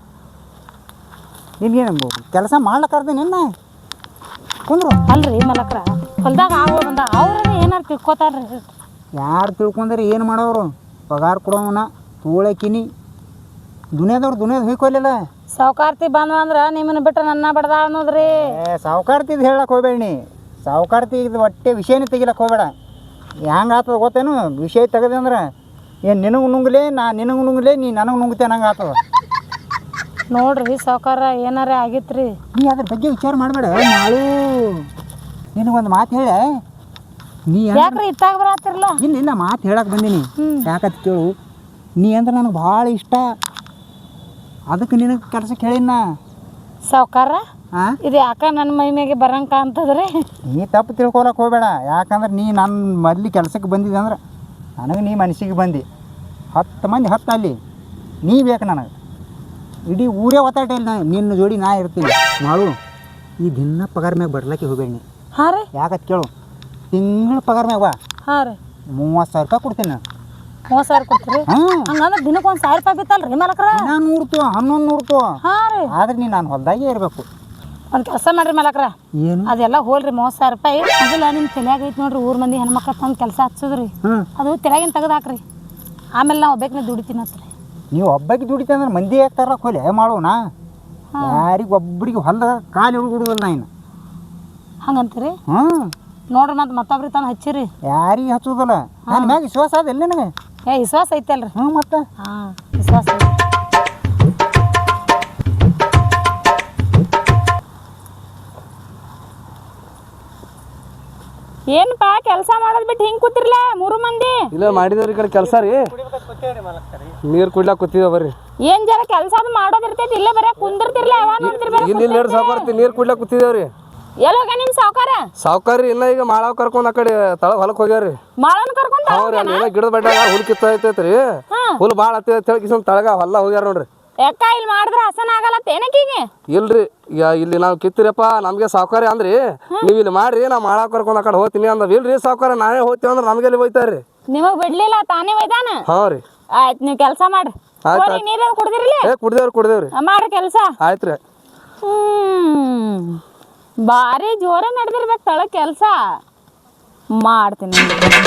A: ನಿನ್ಗೇನು ಕೆಲಸ ಮಾಡ್ಲಕ್ಕಾರ್ದೆ ನಿನ್ನ ಕುಂದ್ರು
B: ಅಲ್ರಿ ಮಲಕ್ರ ಹೊಲ್ದಾಗ ಆಗೋ ಬಂದ ಅವ್ರ ಏನಾರು ತಿಳ್ಕೊತಾರ್ರಿ
A: ಯಾರು ತಿಳ್ಕೊಂಡ್ರೆ ಏನು ಮಾಡೋರು ಪಗಾರ ಕೊಡೋವನ ತೋಳಕಿನಿ ದುನಿಯಾದವ್ರು ದುನಿಯಾದ ಹೋಯ್ಕೊಲಿಲ್ಲ
B: ಸಾವುಕಾರ್ತಿ ಬಂದ್ವ ಅಂದ್ರೆ ನಿಮ್ಮನ್ನ ಬಿಟ್ಟು ನನ್ನ ಬಡ್ದ ಅನ್ನೋದ್ರಿ
A: ಏ ಸಾವುಕಾರ್ತಿದ್ ಹೇಳಕ್ಕೆ ಹೋಗ್ಬೇಡ ನೀ ಸಾವುಕಾರ್ತಿ ಇದು ಹೊಟ್ಟೆ ವಿಷಯನೇ ತೆಗಿಲಕ್ಕೆ ಹೋಗ್ಬೇಡ ಹೆಂಗೆ ಆಗ್ತದ ಗೊತ್ತೇನು ವಿಷಯ ತೆಗೆದೆ ಅಂದ್ರೆ ಏನು ನಿನಗೆ ನುಂಗ್ಲೇ ನಾ ನಿನಗೆ ನುಂಗ್ಲೇ ನೀ ನನಗೆ ನುಂಗ್ತೇನೆ ಹಂಗೆ ಆಗ್ತದ.
B: ನೋಡ್ರಿ ಸಾವ್ಕಾರ ಏನಾರ ಆಗಿತ್ರಿ.
A: ನೀ ಅದ್ರ ಬಗ್ಗೆ ವಿಚಾರ ಮಾಡಬೇಡ ಮಾಡು. ನಿನಗೊಂದು ಮಾತು ಹೇಳ ನೀ
B: ಯಾಕ್ರಿ ಇತ್ತಾಗ ಬರತ್ತಿರಲ್ಲ?
A: ಇಲ್ಲ ಇಲ್ಲ ಮಾತು ಹೇಳಕ್ಕೆ ಬಂದೀನಿ. ಯಾಕಂತ ಕೇಳು, ನೀ ಅಂದ್ರೆ ನನಗೆ ಭಾಳ ಇಷ್ಟ, ಅದಕ್ಕೆ ನಿನಗೆ ಕೆಲ್ಸಕ್ಕೆ ಹೇಳಿನ.
B: ಸಾವ್ಕಾರ
A: ಹಾಂ
B: ಇದು ಯಾಕ ನನ್ನ ಮೈ ಮ್ಯಾಗೆ ಬರಂಕ ಅಂತದ್ರಿ?
A: ನೀ ತಪ್ಪು ತಿಳ್ಕೊಳಕ್ಕೆ ಹೋಗ್ಬೇಡ. ಯಾಕಂದ್ರೆ ನೀ ನನ್ನ ಮೊದ್ಲು ಕೆಲ್ಸಕ್ಕೆ ಬಂದಿದ್ದೆ ಅಂದ್ರೆ ನನಗೆ ನೀ ಮನಸ್ಸಿಗೆ ಬಂದು ಹತ್ತು ಮಂದಿ ಹತ್ತು ಅಲ್ಲಿ ನೀ ಬೇಕು ನನಗೆ. ಇಡೀ ಊರೇ ಒತ್ತಾಟ ಇಲ್ಲ ನಿನ್ನ ಜೋಡಿ ನಾ ಇರ್ತೀನಿ ಮಾಡು. ಈ ದಿನ ಪಗಾರ ಮ್ಯಾಗ ಬರ್ಲಕ್ಕೆ ಹೋಗ್ಬೇಡಿ ನೀ.
B: ಹಾಂ ರೀ.
A: ಯಾಕತ್ ಕೇಳು, ತಿಂಗಳ ಪಗಾರ ಮ್ಯಾಗ ಬಾ,
B: ಹಾಂ ರೀ.
A: ಮೂವತ್ತು ಸಾವಿರ ರೂಪಾಯಿ ಕೊಡ್ತೀನಿ ನಾನು.
B: ಮೂವತ್ತು ಸಾವಿರ ಕೊಡ್ತೀರಿ?
A: ಹಾಂ
B: ಹಂಗಂದ್ರೆ ದಿನಕ್ಕೆ ಒಂದು ಸಾವಿರ ರೂಪಾಯಿ ಬಿತ್ತಲ್ರಿ ಮಲಕ್ರ?
A: ನಾನು ನೂರ್ತು ಹನ್ನೊಂದು ನೂರ್ತು.
B: ಹಾಂ ರೀ.
A: ಆದ್ರೆ ನೀ ನಾನು ಹೊಲ್ದಾಗೆ ಇರಬೇಕು.
B: ಒಂದು ಕೆಲಸ ಮಾಡ್ರಿ ಮಲಕ್ರ,
A: ಏನು
B: ಅದೆಲ್ಲ ಹೋಲ್ರಿ ಮೂವತ್ತು ಸಾವಿರ ರೂಪಾಯಿ ಅದೆಲ್ಲ ನಿಮ್ಮ ತಲೆಯಾಗ ಐತಿ ನೋಡ್ರಿ. ಊರ್ ಮಂದಿ ಹೆಣ್ಮಕ್ಳು ತಂದು ಕೆಲಸ ಹಚ್ಚೋದ್ರಿ,
A: ಹ್ಞೂ
B: ಅದು ತಲೆಯಾಗಿನ ತೆಗೆದು ಹಾಕ್ರಿ. ಆಮೇಲೆ ನಾವು ಒಬ್ಬಕ್ಕೆ ದುಡಿತೀನಿ ಹತ್ರಿ.
A: ನೀವು ಒಬ್ಬಕ್ಕೆ ದುಡಿತ ಅಂದ್ರೆ ಮಂದಿ ಯಾಕೆ ತರಕ್ಕೆ ಹೋಲೆ ಮಾಡೋಣ? ಯಾರಿಗೆ ಒಬ್ಬರಿಗೆ ಹೊಲ್ದ ಕಾಲು ಹುಡುಗುಡುವಲ್ಲ ನಾ ಇನ್ನು.
B: ಹಂಗಂತೀರಿ?
A: ಹ್ಞೂ
B: ನೋಡ್ರಿ ಮತ್ತೆ ಮತ್ತೊಬ್ರಿಗೆ ತಂದು ಹಚ್ಚಿರಿ.
A: ಯಾರಿಗೆ ಹಚ್ಚೋದಲ್ಲ. ನನ್ನ ಮ್ಯಾಗ ವಿಶ್ವಾಸ ಅದಲ್ಲ ನನಗೆ.
B: ಏ ವಿಶ್ವಾಸ ಐತಲ್ರಿ?
A: ಹ್ಞೂ ಮತ್ತೆ
B: ಹಾಂ ವಿಶ್ವಾಸ ಐತಿ.
E: ಏನಪ್ಪಾ ಕೆಲಸ ಮಾಡೋದ್ ಬಿಟ್ಟು ಹಿಂಗ್ ಕೂತಿರ್ಲ ಮೂರು ಮಂದಿ?
C: ಇಲ್ಲ ಮಾಡಿದವ್ರಿ ಈ ಕಡೆ ಕೆಲಸ ರೀ, ನೀರು ಕುಡ್ಲಾಕ ಕೂತಿದ್ದೇವೆ ಬರ್ರಿ.
E: ಏನ್ ಜರ ಕೆಲಸ ಅದು ಮಾಡೋದಿರ್ತೈತಿ, ಇಲ್ಲೇ ಬರೀ ಕುಂದಿರ್ತಿರ್ಲ ಯಾವಾಗ ನೋಡ್ತಿರ್ಬೇಕು?
C: ಇಲ್ಲಿ ಇಲ್ಲಿ ಸಾವುಕಾರ ನೀರು ಕುಡ್ಲಾಕ ಕೂತಿದ್ದೇವ್ರಿ.
E: ಎಲ್ಲೋಗ ನಿಮ್ ಸಾವ್ಕಾರ?
C: ಸಾವುಕಾರಿ ಇಲ್ಲ, ಈಗ ಮಾಳಾವ್ ಕರ್ಕೊಂಡ್ ಆ ಕಡೆ ತಳಗ ಹೊಲಕ್ಕೆ ಹೋಗ್ಯಾವ್ರಿ.
E: ಮಾಳನ್ ಕರ್ಕೊಂಡ್
C: ಹೌದ್ರಿ, ಅಲ್ಲಿ ಏನೋ ಗಿಡದ ಬಡ್ಡ ಹುಲ್ ಕಿತ್ತೈತೈತ್ರಿ, ಹುಲ್ ಭಾಳ ಹತ್ತಿ ತೆಳಕಿಸ್ ತಳಗ ಹೊಲ ಹೋಗ್ಯಾರ ನೋಡ್ರಿ.
E: ಯಾಕ ಇಲ್ಲಿ ಮಾಡಿದ್ರ ಹಸನ ಆಗಲ್ಲ ಏನಕ್ಕೀಗೆ?
C: ಇಲ್ರಿ ಯಾ ಇಲ್ಲಿ ನಾವು ಕಿತ್ತಿರಪ್ಪ ನಮ್ಗೆ ಸಾವುಕಾರಿ ಅಂದ್ರಿ, ನೀವು ಇಲ್ಲಿ ಮಾಡ್ರಿ ನಾ ಮಾಳಾವ್ ಕರ್ಕೊಂಡ್ ಆ ಕಡೆ ಹೋಗ್ತೀನಿ ಅಂದ. ಇಲ್ರಿ ಸಾವುಕಾರ ನಾವೇ ಹೋಗ್ತೀವಿ ಅಂದ್ರೆ ನಮ್ಗೆ ಎಲ್ಲಿ ಹೋಯ್ತಾರ್ರಿ?
E: ನಿಮಗ್ ಬಿಡ್ಲಿಲ್ಲ ತಾನೇ ಒಯ್ದಾನ?
C: ಹಾ ರೀ.
E: ಆಯ್ತು ನೀವು ಕೆಲಸ ಮಾಡ್ರಿ.
C: ಆಯ್ತು
E: ನೀರ ಕುಡ್ದಿರ್ಲಿ?
C: ಏ ಕುಡ್ದೇವ್ರಿ ಕುಡ್ದೇವ್ರಿ.
E: ಮಾಡ್ರಿ ಕೆಲಸ.
C: ಆಯ್ತ್ರಿ.
E: ಹ್ಮ್ ಭಾರಿ ಜೋರ ನಡೆದಿರ್ಬೇಕು ತಳ ಕೆಲಸ ಮಾಡ್ತೀನಿ.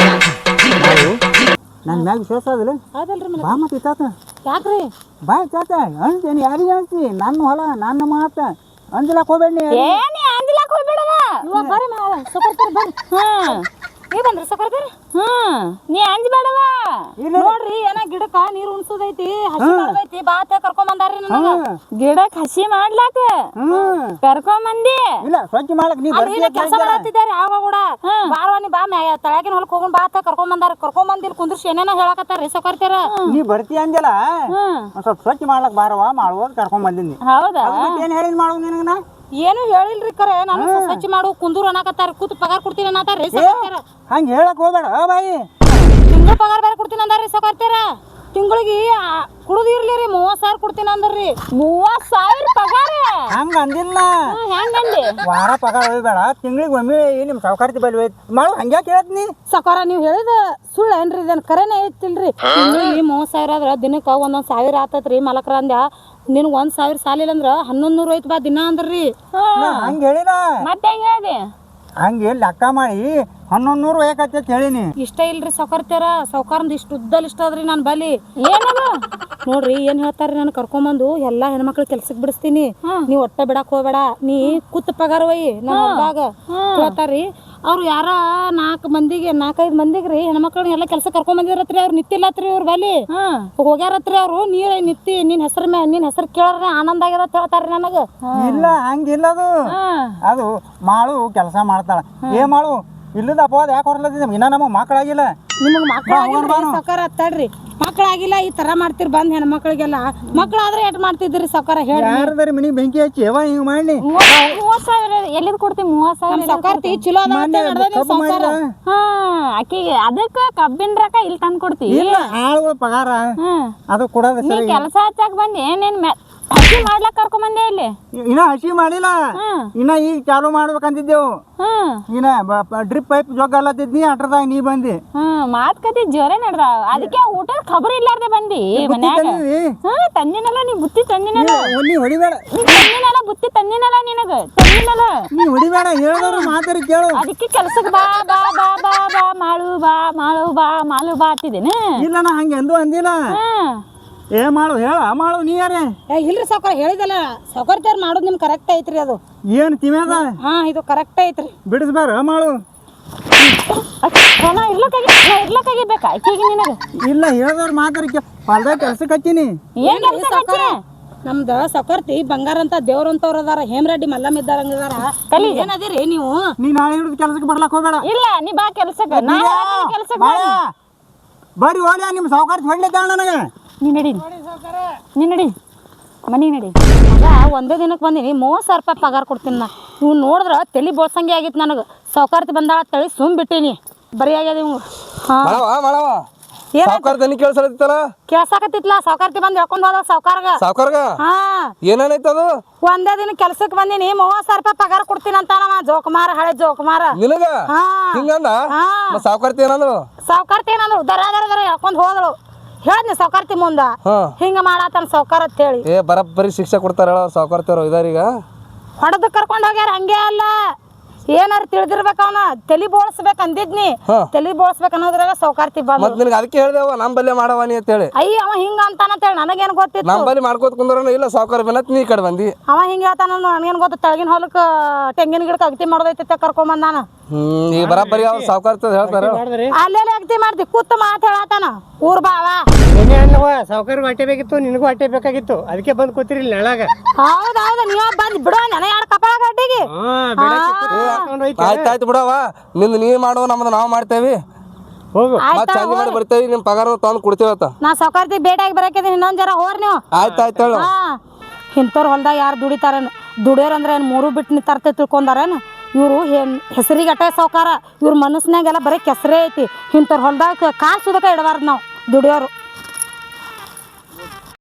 A: ನನ್ನ ಮ್ಯಾಗ ವಿಶ್ವಾಸ ಅದಲ್ಲ?
B: ಅದಲ್ರಿ
A: ಬಾ ಮತ್ತೆ ಇತ್ತಾತ.
B: ಯಾಕ್ರಿ?
A: ಬಾ ಇತ್ತಾತ ಅಂತೇನಿ. ಯಾರಿಗೆ ಅನ್ಸಿ ನನ್ನ ಹೊಲ ನನ್ನ ಮಾತು ಅಂಜಲಾಕ್ ಹೋಗ್ಬೇಡಿ.
E: ಏನಿ ಅಂದಿಲಾಕ್ ಹೋಗ್ಬೇಡವ.
B: ಇವಾಗ ಬರ್ರಿ ಸೊಕರ್ತಾರ ಬರ್ರಿ.
E: ಹ್ಮ್
B: ನೀವ್ ಬಂದ್ರಿ ಸೊಕರ್ತಾರ?
E: ಹ್ಮ್ ನೀ ಅಂಜಬೇಡವ.
B: ನೋಡ್ರಿ ಏನ ಗಿಡಕ್ಕ ನೀರ್ ಉಣ್ಸೋದೈತಿ, ಹಸಿ ಮಾಡೋದೈತಿ, ಬಾತ ಕರ್ಕೊಂಡ್ ಬಂದಾರ್ರಿ ನನಗ.
E: ಗಿಡಕ್ ಹಸಿ ಮಾಡ್ಲಾಕ
A: ಹ್ಮ್
E: ಕರ್ಕೊಂಡ್ ಮಂದಿ?
A: ಇಲ್ಲ ಸ್ವಚ್ಛ ಮಾಡಕ್ ನೀ
B: ಕೆಲಸ ಮಾಡತ್ತಿದ್ದಾರೆ ಯಾವ ಕೂಡ ಬಾರವ ನೀ ಬಾ ಮ್ಯಾ ತಳಗಿನ ಹೊಲಕ್ ಹೋಗೋಣ ಬಾತ ಕರ್ಕೊಂಡ್ ಬಂದಾರ. ಕರ್ಕೊಂಡ್ ಬಂದಿಲ್ ಕುಂದ್ರಿಸಿ ಏನೇನ ಹೇಳಕತ್ತಾರ್ರಿ ಸೊಕರ್ತಾರ.
A: ನೀ ಬರ್ತಿ ಅಂಜಲ್ಲ,
E: ಹ್ಮ್
A: ಒಂದ್ ಸ್ವಲ್ಪ ಸ್ವಚ್ಛ ಮಾಡ್ಲಕ್ ಬಾರವ ಮಾಡುವ ಕರ್ಕೊಂಡ್ ಬಂದಿನಿ.
E: ಹೌದಾ?
A: ಏನ್ ಹೇಳಿದ್ ಮಾಡು ನಿನಗನ?
B: ಏನು ಹೇಳಿಲ್ರಿ ಕರೆ. ನಾನು ಸ್ವಚ್ಛ ಮಾಡು ಕುಂದೂರು ಅನ್ನಕತ್ತಾರ, ಕೂತ್ ಪಗಾರ ಕೊಡ್ತೀನಿ ಅನ್ನತ್ತಾರ್ರಿ ಸೊಕರ್ತಾರ.
A: ಹಂಗ ಹೇಳಕ್ ಹೋಗ್ಬೇಡ ಬಾಯಿ.
B: ತಿಂಗಳ ಪಗಾರ ಬೇರೆ ಕೊಡ್ತೀನಿ ಅಂದಾರ್ರಿ ಸೊಕರ್ತಾರ. ತಿಂಗಳಿಗೆ ಕುಡಿದಿರ್ಲಿ ರೀ ಮೂವತ್ತು ಸಾವಿರ ಕೊಡ್ತೀನಿ ಅಂದ್ರಿ.
E: ಮೂವತ್ ಸಾವಿರ ಪಗಾರ?
A: ಹಂಗ ಅಂದಿಲ್ಲ,
E: ಹೆಂಗಂದಿ?
A: ವಾರ ಪಗಾರ ಹೋಗ್ಬೇಡ, ತಿಂಗಳಿಗೆ ಒಮ್ಮೆ ನಿಮ್ ಸಾವುಕಾರ್ತಿ ಬಲ್ಲಿ ಮಾಡು. ಹಂಗ್ಯಾಕೆ ಹೇಳ್ತೀನಿ
B: ಸಕಾರ ನೀವು ಹೇಳಿದ ಸುಳ್ಳು ಏನ್ರಿ? ಇದೇನು ಕರೆನೇ ಐತಿಲ್ರಿ? ತಿಂಗಳಿಗೆ ಮೂವತ್ತು ಸಾವಿರ ಆದ್ರೆ ದಿನಕ್ಕೆ ಒಂದೊಂದು ಸಾವಿರ ಆತತ್ರಿ ಮಲಕ್ರ ಅಂದ್ಯ. ನಿನಗೆ ಒಂದು ಸಾವಿರ ಸಾಲಿಲ್ಲ ಅಂದ್ರೆ ಹನ್ನೊಂದು ನೂರು ಐತಿ ಬಾ ದಿನ ಅಂದ್ರಿ.
A: ಹಂಗ ಹೇಳಿಲ್ಲ,
E: ಮತ್ತೆ ಹೆಂಗ ಹೇಳ್ದಿ?
A: ಹಂಗೆ ಲೆಕ್ಕ ಮಾಡಿ ಹನ್ನೊಂದು ನೂರು ಯಾಕತ್ತೆ ಹೇಳಿನಿ.
B: ಇಷ್ಟ ಇಲ್ರಿ ಸೌಕರ್ತಾರ. ಸೌಕಾರಂದು ಇಷ್ಟು ಉದ್ದಲ್ ಇಷ್ಟ ಅದ್ರಿ ನಾನು ಬಲಿ.
E: ಏನದು
B: ನೋಡ್ರಿ ಏನ್ ಹೇಳ್ತಾರ್ರಿ, ನಾನು ಕರ್ಕೊಂಬಂದು ಎಲ್ಲಾ ಹೆಣ್ಮಕ್ಳು ಕೆಲ್ಸಕ್ಕೆ ಬಿಡಿಸ್ತೀನಿ, ನೀವ್ ಒಟ್ಟ ಬಿಡಕ್ ಹೋಗ್ಬೇಡ, ನೀ ಕೂತ್ ಪಗಾರ ಒಯ್ಯಿ ನನ್ನ ಹೊಲ್ದಾಗ ಹೇಳ್ತಾರ್ರಿ. ಅವ್ರು ಯಾರ ನಾಲ್ಕು ಮಂದಿಗೆ ನಾಲ್ಕೈದು ಮಂದಿಗೆ ರೀ ಹೆಣ್ಮಕ್ಳನ್ನ ಎಲ್ಲ ಕೆಲಸ ಕರ್ಕೊಂಡ್ ಬಂದಿರತ್ರಿ. ಅವ್ರು ನಿತ್ತಿಲ್ಲತ್ರಿ ಅವ್ರ ಬಲಿ ಹೋಗ್ಯಾರತ್ರಿ. ಅವ್ರು ನೀರ ನಿತ್ತಿ ನಿನ್ ಹೆಸರು ಮ್ಯಾ ನಿನ್ ಹೆಸರು ಕೇಳ್ರೆ ಆನಂದ ಆಗ್ಯದ ಅಂತ ಹೇಳ್ತಾರ್ರಿ ನನಗ.
A: ಇಲ್ಲ ಹಂಗಿಲ್ಲ, ಅದು ಅದು ಮಾಡು ಕೆಲಸ ಮಾಡ್ತಾಳ. ಏ ಮಾಡು ಇಲ್ಲದ ಅಪವಾದ ಯಾಕೆ ಹೊರಲತ್ತಿದ್ದೆ? ಇನ್ನ ನಮಗೆ ಮಕ್ಕಳಾಗಿಲ್ಲ.
B: ನಿಮಗ್ ಮಕ್ಕಳಾಗಿಲ್ಲ ಸೌಕಾರ ಅತ್ತಾಡ್ರಿ. ಮಕ್ಕಳಾಗಿಲ್ಲ ಈ ತರ ಮಾಡ್ತಿರ್ ಬಂದ್ ಹೆಣ್ಮಕ್ಳಿಗೆಲ್ಲ. ಮಕ್ಕಳಾದ್ರೆ ಎಟ್ ಮಾಡ್ತಿದ್ರಿ ಸೌಕಾರ ಹೇಳಿ?
A: ಯಾರದಾರಿ ಮನಿಗೆ ಬೆಂಕಿ ಹಚ್ಚಿ ಯಾವ ಹಿಂಗ್ ಮಾಡ್ಲಿ?
E: ಮೂವತ್ ಸಾವಿರ ಎಲ್ಲಿದ್ ಕೊಡ್ತೀವಿ? ಮೂವತ್ ಸಾವಿರ
B: ಸೌಕಾರ್ತಿ ಚಲೋ ಸೌಕಾರ.
E: ಹಾ ಆಕಿಗೆ ಅದಕ್ಕ ಕಬ್ಬಿನ ರೊಕ್ಕ ಇಲ್ಲಿ ತಂದ್ ಕೊಡ್ತೀವಿ.
A: ಇಲ್ಲ ಆಳುಗಳ ಪಗಾರ ಅದು ಕೊಡೋದು
E: ನೀ
A: ಸರಿ.
E: ಕೆಲಸ ಹಚ್ಚಾಕ ಬಂದಿ ಏನೇನ್ ಹಸಿ ಮಾಡ್ಲಕ್ ಕರ್ಕೊಂಡ್ ಬಂದೆ ಇಲ್ಲಿ?
A: ಇನ್ನ ಹಸಿ ಮಾಡಿಲ್ಲ, ಇನ್ನ ಈಗ ಚಾಲು ಮಾಡ್ಬೇಕಂತಿದ್ದೆವು.
E: ಹ್ಮ್
A: ಇನ್ನ ಡ್ರಿಪ್ ಪೈಪ್ ಜೋಗಲ್ಲತ್ತಿದ್ನಿ ಅಟ್ರದಾಗ ನೀ ಬಂದಿ.
E: ಹ್ಮ್ ಮಾತ್ ಕತಿ ಜೋರೇ ನಡ್ದಾವ. ಅದಕ್ಕೆ ಊಟದ ಖಬರ್ ಇಲ್ಲಾರ್ದೆ ಬಂದಿ ಮನ್ಯಾಗ. ಹಾ ತಂದಿನಲ್ಲ ನೀ ಬುತ್ತಿ ತಂದಿನಲ್ಲ.
A: ನೀ ಹೊಡಿಬೇಡ,
E: ನೀ ತಂದಿನಲ್ಲ ಬುತ್ತಿ ತಂದಿನಲ್ಲ ನಿನಗ ತಂದಿನಲ್ಲ.
A: ನೀ ಹೊಡಿಬೇಡ, ಹೇಳಿದವ್ರು ಮಾತಾಡಿ ಕೇಳು.
E: ಅದಕ್ಕೆ ಕೆಲ್ಸಕ್ಕೆ ಬಾ ಬಾ ಬಾ ಬಾ ಬಾ ಮಾಡು ಬಾ ಮಾಡು ಬಾ ಮಾಡು ಬಾ ಅಂತಿದ್ದೇನೆ.
A: ಇಲ್ಲ ನಾ ಹಂಗೆ ಎಂದೂ ಅಂದಿಲ್ಲ.
E: ಹ್ಮ್
A: ಏ ಮಾಡು ಹೇಳ ಮಾಡು ನೀ ಯಾರೇ?
B: ಏ ಇಲ್ರಿ ಸೌಕಾರ ಹೇಳಿದಲ್ಲ ಸೌಕರ್ತಾರ ಮಾಡೋದು ನಿಮ್ ಕರೆಕ್ಟ್ ಐತ್ರಿ. ಅದು
A: ಏನು ತಿಮ್ಯಾದ?
B: ಹಾ ಇದು ಕರೆಕ್ಟ್ ಐತ್ರಿ.
A: ಬಿಡಿಸ್ಬಾರ ಮಾಡು.
E: ನಾ ಇರ್ಲಕ್ಕಾಗಿ ನಾ ಇರ್ಲಕ್ಕಾಗಿ ಬೇಕಾ ಆಕಿಗೆ ನಿನಗೆ
A: ಇಲ್ಲ ಹೇಳಿದವ್ರು ಮಾತಾಡಿ ಹೊಲ್ದಾಗ ಕೆಲ್ಸಕ್ಕೆ ಹಚ್ಚೀನಿ.
E: ಏನ್ ಕೆಲಸ ಹಚ್ಚಿನ
B: ನಮ್ದು ಸಕರ್ತಿ ಬಂಗಾರ ಅಂತ ದೇವ್ರಂತವ್ರ ಅದಾರ ಹೇಮರೆಡ್ಡಿ ಮಲ್ಲಮ್ಮ ಇದ್ದಾರಂಗದಾರ
E: ಕಲಿ
B: ಏನದಿರಿ ನೀವು
A: ನೀ ನಾಳೆ ಹಿಡಿದು ಕೆಲ್ಸಕ್ಕೆ ಬರ್ಲಕ್ ಹೋಗ್ಬೇಡ.
E: ಇಲ್ಲ ನೀ ಬಾ ಕೆಲ್ಸಕ್ಕೆ ನಾ ಕೆಲ್ಸಕ್ಕೆ
A: ಮಾಯ, ಬರ್ರಿ ಹೋಗ್ಲಿ ನಿಮ್ಮ ಸಾವುಕಾರ ಹೊಡ್ಲಿದ್ದಾಳ ನನಗೆ.
E: ನೀ ನಡಿ ನೀ ನಡಿ ಮನೆಗೆ ನಡಿ.
B: ಮಗ ಒಂದೇ ದಿನಕ್ಕೆ ಬಂದೀನಿ ಮೂವತ್ತು ಸಾವಿರ ರೂಪಾಯಿ ಪಗಾರ ಕೊಡ್ತೀನಿ ನಾ. ಇವ್ ನೋಡಿದ್ರ ತಲೆ ಬೋಳ್ಸಂಗೆ ಆಗಿತ್ತು ನನಗೆ. ಸೌಕಾರ್ತಿ ಬಂದಾಳ ತಳಿ ಸುಮ್ ಬಿಟ್ಟೀನಿ ಬರೀ ಆಗ್ಯದ ಇವ್. ಹಾಂ
C: ಮಾಡವ ಮಾಡವ ಸಾವ್ಕಾರ ದನಿ ಕೇಳ್ಸಲತ್ತಿತ್ತಲ್ಲ
B: ಕೇಳ್ಸಾಕತ್ತಿತ್ಲ ಸೌಕಾರ್ತಿ ಬಂದು ಹೇಳ್ಕೊಂಡು ಹೋದ ಸೌಕಾರ್ಗ.
C: ಸಾವ್ಕಾರ್ಗ
B: ಹಾಂ
C: ಏನೇನೈತೆ ಅದು
B: ಒಂದೇ ದಿನ ಕೆಲ್ಸಕ್ಕೆ ಬಂದೀನಿ ಮೂವತ್ತು ಸಾವಿರ ರೂಪಾಯಿ ಪಗಾರ ಕೊಡ್ತೀನಿ ಅಂತ ನಮ್ಮ ಜೋಕುಮಾರ ಹಳೆ ಜೋಕುಮಾರ.
C: ನಿನಗ
B: ಹಾ.
C: ಹಿಂಗಂದ
B: ಹಾ.
C: ಮತ್ತ್ ಸಾವ್ಕಾರ್ತಿ ಏನಂದ್ರು
B: ಸೌಕಾರ್ತಿ ಏನಂದ್ರು ದರ ದರ ದರ ಹೇಳ್ಕೊಂಡು ಹೋದಳು. ಹೇಳ್ನಿ ಸೌಕಾರ್ತಿ ಮುಂದ
C: ಹಾ
B: ಹಿಂಗ ಮಾಡಾತನ ಸೌಕಾರ ಅಂತ ಹೇಳಿ
C: ಏ ಬರಬ್ಬರಿ ಶಿಕ್ಷೆ ಕೊಡ್ತಾರ ಹೇಳ ಸಾವ್ಕಾರ್ತಿಯವ್ರು ಇದಾರೀಗ
B: ಹೊಡೆದು ಕರ್ಕೊಂಡು ಹೋಗ್ಯಾರ. ಹಂಗೆ ಅಲ್ಲ ಏನಾರು ತಿಳಿದಿರ್ಬೇಕು ಅವನ ತಲೆ ಬೋಳ್ಸ್ಬೇಕು ಅಂದಿದ್ನಿ.
C: ಹಾ.
B: ತಲೆ ಬೋಳ್ಸ್ಬೇಕು ಅನ್ನೋದ್ರಾಗ ಸೌಕಾರ್ತಿ ಬಂದು
C: ಮತ್ ನಿನಗೆ ಅದಕ್ಕೆ ಹೇಳ್ದೇವ ನಮ್ ಬಲ್ಲೆ ಮಾಡವ ನೀ ಅಂತ ಹೇಳಿ.
B: ಅಯ್ಯ ಅವ ಹಿಂಗ ಅಂತಾನಂತ ಹೇಳಿ ನನಗೇನು ಗೊತ್ತಿತ್ತು.
C: ನಮ್ ಬಲ್ಲಿ ಮಾಡ್ಕೋತ ಕುಂದ್ರನ ಇಲ್ಲ ಸಾವ್ಕಾರ ಬೆನ್ನತ್ ನೀ ಈ ಕಡೆ ಬಂದಿ.
B: ಅವ ಹಿಂಗ ಹೇಳ್ತಾನ ನನಗೇನು ಗೊತ್ತು. ತೆಳಗಿನ ಹೊಲಕ್ಕೆ ತೆಂಗಿನ ಗಿಡಕ್ಕೆ ಅಗತಿ ಮಾಡೋದೈತಿ ಕರ್ಕೊಂಬಂದ ನಾನು.
C: ಹ್ಮ್ ಈಗ ಬರಬ್ಬರಿ ಅವ್ರು ಸಾವ್ಕಾರ್ತಿ ಹೇಳ್ತಾರ
D: ಮಾಡಿದ್ರಿ
B: ಅಲ್ಲೆಲ್ಲ ಅಗತಿ ಮಾಡ್ತಿ ಕೂತ್ ಮಾತು ಹೇಳತ್ತಾನ ಊರ್ ಬಾವ.
D: ಏನೇ ಅಲ್ಲವ ಸಾವುಕಾರ ಹೊಟ್ಟೆ ಬೇಕಿತ್ತು ನಿನಗೂ ಹೊಟ್ಟೆ ಬೇಕಾಗಿತ್ತು ಅದಕ್ಕೆ ಬಂದು ಕೂತಿರಿಲ್ಲ ನೆಳಾಗ.
B: ಹೌದೌದು ನೀವ ಬಂದ್ ಬಿಡೋ ನೆನ ಎರಡು ಕಪಾಳ ಗಡ್ಡಿಗೆ.
C: ಆಯ್ತಾಯ್ತು ಬಿಡವ ನಿಂದು ನೀ ಮಾಡುವ ನಮ್ದು ನಾವು ಮಾಡ್ತೇವಿ.
D: ಹೋಗು
C: ಮತ್ ಚಂದ ಮಾಡಿ ಬರ್ತೇವಿ ನಿಮ್ ಪಗಾರ ತಂದು ಕೊಡ್ತೇವತ್ತ.
B: ನಾ ಸೌಕಾರ್ತಿ ಭೇಟಿಯಾಗಿ ಬರಕಿದ್ದೀನಿ ಇನ್ನೊಂದ್ ಜರ ಹೋರ್ ನೀವು.
C: ಆಯ್ತಾಯ್ತು ಹೇಳು.
B: ಹಾ ಇಂಥವ್ರು ಹೊಲ್ದಾಗ ಯಾರು ದುಡಿತಾರೇನು ದುಡಿಯೋರು ಅಂದ್ರೆ ಏನು ಮೂರು ಬಿಟ್ಟು ನಿಂತರ್ತೆ ತಿಳ್ಕೊಂಡಾರೇನು. ಇವರು ಹೆಸರಿಗೆ ಅಟೇ ಸೌಕಾರ ಇವ್ರ ಮನಸ್ಸಿನಾಗೆಲ್ಲ ಬರೀ ಕೆಸರೇ ಐತಿ. ಇಂಥವ್ರು ಹೊಲ್ದಾಗ ಕಾಲು ಸುದಕ ಇಡಬಾರ್ದು ನಾವು ದುಡಿಯೋರು.